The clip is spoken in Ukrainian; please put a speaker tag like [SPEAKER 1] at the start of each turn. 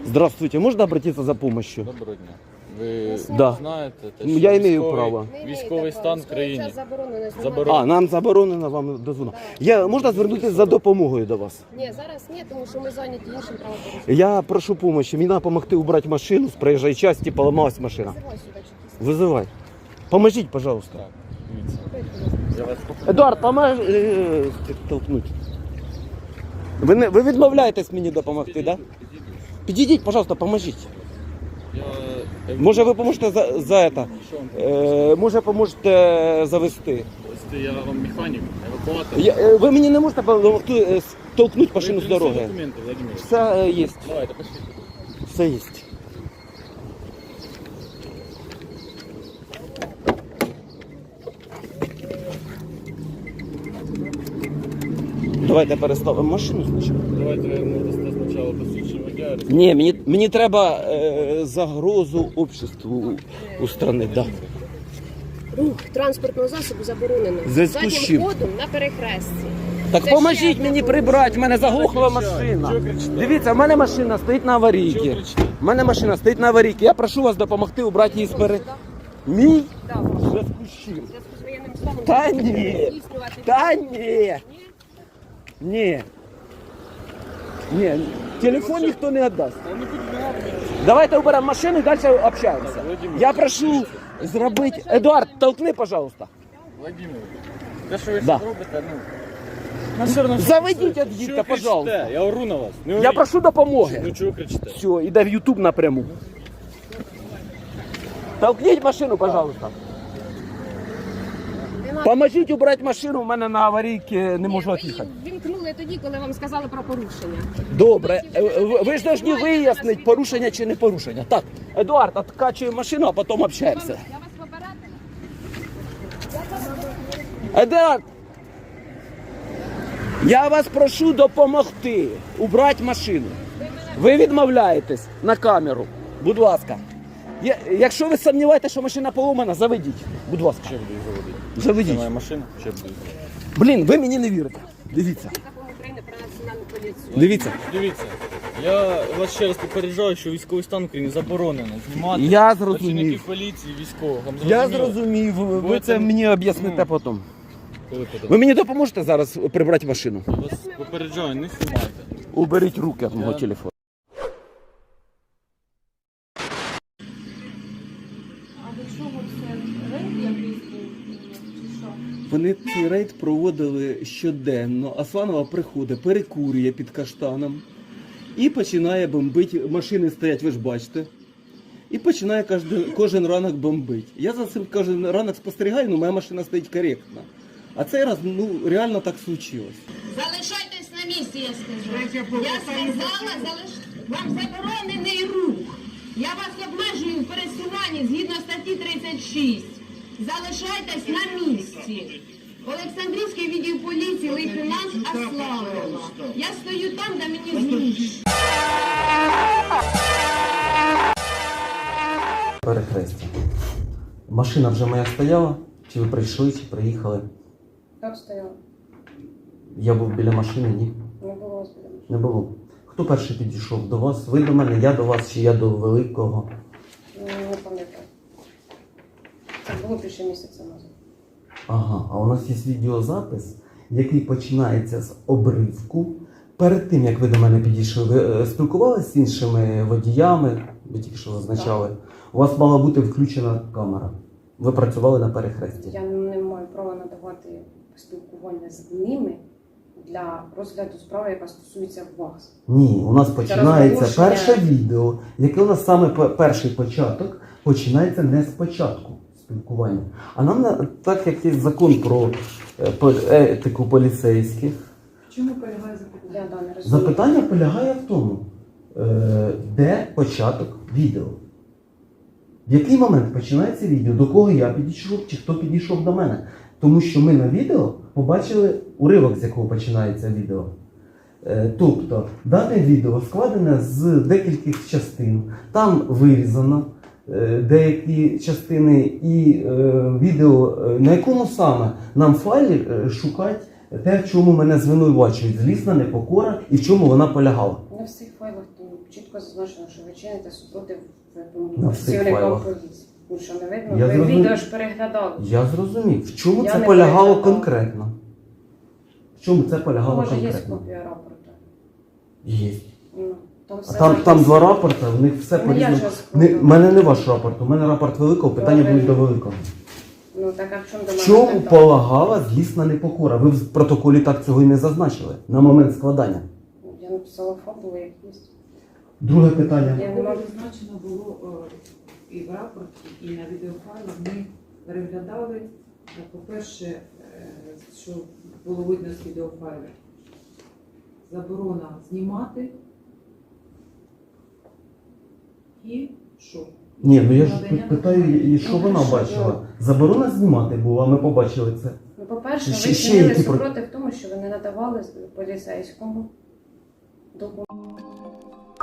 [SPEAKER 1] Здравствуйте, можно обратиться за помощью?
[SPEAKER 2] Доброго дня. Ви
[SPEAKER 1] Да.
[SPEAKER 2] знаєте,
[SPEAKER 1] Я имею право.
[SPEAKER 2] Військовий стан в країні.
[SPEAKER 1] А, нам заборонено вам дозвонити. Можна звернутися за допомогою до вас?
[SPEAKER 3] Ні, зараз ні, тому що ми зайняті іншим правопорушенням.
[SPEAKER 1] Я прошу помощи. Мені треба допомогти убрати машину з проїжджої частини, поламалась машина.
[SPEAKER 3] Визивай сюди чи
[SPEAKER 1] Вызывай. Поможіть, пожалуйста.
[SPEAKER 2] Так, дивіться. Я вас
[SPEAKER 1] Едуард, поможи толкнуть. Ви відмовляєтесь мені допомогти, так? Да? Підійдіть, пожалуйста, поможіть. Може ви поможете за це? Може поможете завести?
[SPEAKER 2] Я вам механік, евакуатор.
[SPEAKER 1] Ви мені не можете допомогти толкнути машину з дороги?
[SPEAKER 2] Документи, Владимир.
[SPEAKER 1] Все є.
[SPEAKER 2] Давайте, пошли.
[SPEAKER 1] Все є. Давайте переставимо машину спочатку.
[SPEAKER 2] Давайте ми дасте спочатку посвідчення водія.
[SPEAKER 1] Ні, мені треба загрозу обществу устранити. Да.
[SPEAKER 3] рух транспортного засобу заборонено.
[SPEAKER 1] В зв'язку з
[SPEAKER 3] Заднім
[SPEAKER 1] чим?
[SPEAKER 3] ходом на перехресті.
[SPEAKER 1] Так
[SPEAKER 3] Це
[SPEAKER 1] поможіть
[SPEAKER 3] ще
[SPEAKER 1] мені
[SPEAKER 3] одне
[SPEAKER 1] прибрати, в мене заглохла машина.
[SPEAKER 2] Чого кричите?
[SPEAKER 1] Дивіться, в мене машина стоїть на аварійці.
[SPEAKER 2] Чого кричите?
[SPEAKER 1] В мене машина стоїть на аварійці. Я прошу вас допомогти убрати її з Мій?
[SPEAKER 3] Так,
[SPEAKER 1] В зв'язку з чим?
[SPEAKER 3] в зв'язку з воєнним станом
[SPEAKER 1] Та
[SPEAKER 3] не
[SPEAKER 1] ні.
[SPEAKER 3] здійснювати
[SPEAKER 1] Та ні.
[SPEAKER 3] Ні?
[SPEAKER 1] Ні. Ні. Телефон ніхто не віддасть.
[SPEAKER 2] Та не будь ласка.
[SPEAKER 1] Давайте уберемо машину і далі общаємося.
[SPEAKER 2] Володимир,
[SPEAKER 1] Я прошу зробити... Едуард, толкни, пожалуйста.
[SPEAKER 2] Владимир, те, що ви
[SPEAKER 1] Да.
[SPEAKER 2] да. робите, ну все одно, що
[SPEAKER 1] Заведіть
[SPEAKER 2] кричите?
[SPEAKER 1] від дітка,
[SPEAKER 2] Чого
[SPEAKER 1] пожалуйста.
[SPEAKER 2] кричите? Я ору на вас. Не
[SPEAKER 1] Я
[SPEAKER 2] оріть.
[SPEAKER 1] прошу допомоги.
[SPEAKER 2] Ну чого кричите?
[SPEAKER 1] Все, іде в YouTube напряму. Толкніть машину, пожалуйста. Поможіть убрати машину, у мене на аварійці не можу
[SPEAKER 3] Ні,
[SPEAKER 1] від'їхати.
[SPEAKER 3] ви її вімкнули тоді, коли вам сказали про порушення.
[SPEAKER 1] Добре, ви ж повинні вияснити, порушення чи не порушення. Так, Едуард, откачуємо машину, а потім общаємося.
[SPEAKER 3] Я вас попередила.
[SPEAKER 1] Едуард, я вас прошу допомогти убрати машину. Ви відмовляєтесь на камеру, будь ласка. Якщо ви сумніваєтеся, що машина поломана, заведіть, будь ласка.
[SPEAKER 2] Ще буду заводити. Це
[SPEAKER 1] Заведіть.
[SPEAKER 2] моя машина, ще буду заводити.
[SPEAKER 1] Блін, ви мені не вірите. Дивіться,
[SPEAKER 3] Закон України про національну поліцію.
[SPEAKER 1] дивіться.
[SPEAKER 2] Дивіться, я вас ще раз попереджаю, що військовий стан в Україні заборонено знімати
[SPEAKER 1] Я зрозумів.
[SPEAKER 2] працівників поліції, військових. Вам
[SPEAKER 1] Я
[SPEAKER 2] зрозуміло?
[SPEAKER 1] зрозумів, ви
[SPEAKER 2] Ви
[SPEAKER 1] це
[SPEAKER 2] там-
[SPEAKER 1] мені об'ясните потім.
[SPEAKER 2] Коли потім?
[SPEAKER 1] Ви мені допоможете зараз прибрати машину?
[SPEAKER 2] Я вас попереджаю, не знімайте.
[SPEAKER 1] Уберіть руки від мого телефону.
[SPEAKER 3] А до чого це рейд якийсь був? Чи що?
[SPEAKER 1] Вони цей рейд проводили щоденно. Асланова приходить, перекурює під каштаном і починає бомбити. Машини стоять, ви ж бачите. І починає кожен ранок бомбити. Я за цим кожен ранок спостерігаю, але моя машина стоїть коректно. А цей раз реально так случилось.
[SPEAKER 4] Залишайтесь на місці, я скажу. Я сказала, вам заборонений рух. Я вас обмежую в пересуванні згідно статті 36. Залишайтесь на місці. Олександрівський відділ поліції, лейтенант Асланова. Я стою там, де мені зручно.
[SPEAKER 1] Перехрестя. Машина вже моя стояла? Чи ви прийшли, чи приїхали?
[SPEAKER 3] Так стояла.
[SPEAKER 1] Я був біля машини, ні?
[SPEAKER 3] Не було вас біля машини.
[SPEAKER 1] Не було. Хто перший підійшов до вас? Ви до мене, я до вас, чи я до великого?
[SPEAKER 3] Не пам'ятаю. Це було більше місяця назад.
[SPEAKER 1] Ага, а у нас є відеозапис, який починається з обривку. Перед тим, як ви до мене підійшли, ви спілкувалися з іншими водіями, ви тільки що зазначали. У вас мала бути включена камера. Ви працювали на перехресті.
[SPEAKER 3] Я не маю права надавати спілкування з ними для розгляду справи, яка стосується вас.
[SPEAKER 1] Ні, у нас починається
[SPEAKER 3] розголошення.
[SPEAKER 1] перше відео, яке у нас саме перший початок, починається не з початку спілкування. А нам, так як є закон про етику поліцейських,
[SPEAKER 3] В чому полягає запитання? Я не розумію.
[SPEAKER 1] запитання полягає в тому, де початок відео. В який момент починається відео, до кого я підійшов, чи хто підійшов до мене. Тому що ми на відео побачили уривок, з якого починається відео. Тобто, дане відео складене з декількох частин. Там вирізано деякі частини і відео, на якому саме нам файлі шукати те, в чому мене звинувачують. Злісна непокора і в чому вона полягала.
[SPEAKER 3] Не в всіх файлах чітко зазначено, що ви чините супротив
[SPEAKER 1] На всіх
[SPEAKER 3] працівникам
[SPEAKER 1] файлах.
[SPEAKER 3] поліції. Ну що, не видно?
[SPEAKER 1] Я
[SPEAKER 3] Ви
[SPEAKER 1] зрозумів.
[SPEAKER 3] відео ж переглядали.
[SPEAKER 1] Я зрозумів. В чому
[SPEAKER 3] Я
[SPEAKER 1] це
[SPEAKER 3] не
[SPEAKER 1] полягало
[SPEAKER 3] переглядала.
[SPEAKER 1] конкретно? В чому це полягало
[SPEAKER 3] Може, є
[SPEAKER 1] конкретно?
[SPEAKER 3] копія рапорту.
[SPEAKER 1] Є.
[SPEAKER 3] Ну, там
[SPEAKER 1] А
[SPEAKER 3] все
[SPEAKER 1] там
[SPEAKER 3] написано.
[SPEAKER 1] два рапорти, в них все
[SPEAKER 3] Ну,
[SPEAKER 1] по
[SPEAKER 3] я
[SPEAKER 1] різному.
[SPEAKER 3] ж складу.
[SPEAKER 1] У мене не ваш рапорт, у мене рапорт великого, питання
[SPEAKER 3] Добре.
[SPEAKER 1] будуть до великого.
[SPEAKER 3] Ну, так, а в чому до
[SPEAKER 1] В
[SPEAKER 3] мене
[SPEAKER 1] чому
[SPEAKER 3] питання?
[SPEAKER 1] полагала злісна непокора? Ви в протоколі так цього і не зазначили на момент складання.
[SPEAKER 3] Я написала фабулу, як є.
[SPEAKER 1] Друге питання.
[SPEAKER 3] Я не можу.
[SPEAKER 5] Зазначено було і в рапорті, і на відеофайлах. Ми переглядали, по-перше, що було видно з відеофайлів, заборона знімати і що?
[SPEAKER 1] Ні, ну я ж
[SPEAKER 5] Надання
[SPEAKER 1] питаю, і що
[SPEAKER 3] Ну,
[SPEAKER 1] вона
[SPEAKER 3] хорошо,
[SPEAKER 1] бачила? Заборона знімати була, ми побачили це.
[SPEAKER 3] Ну, по-перше,
[SPEAKER 1] Ще-
[SPEAKER 3] ви
[SPEAKER 1] ще
[SPEAKER 3] чинили
[SPEAKER 1] які
[SPEAKER 3] супротив тому, що ви не надавали поліцейському документ.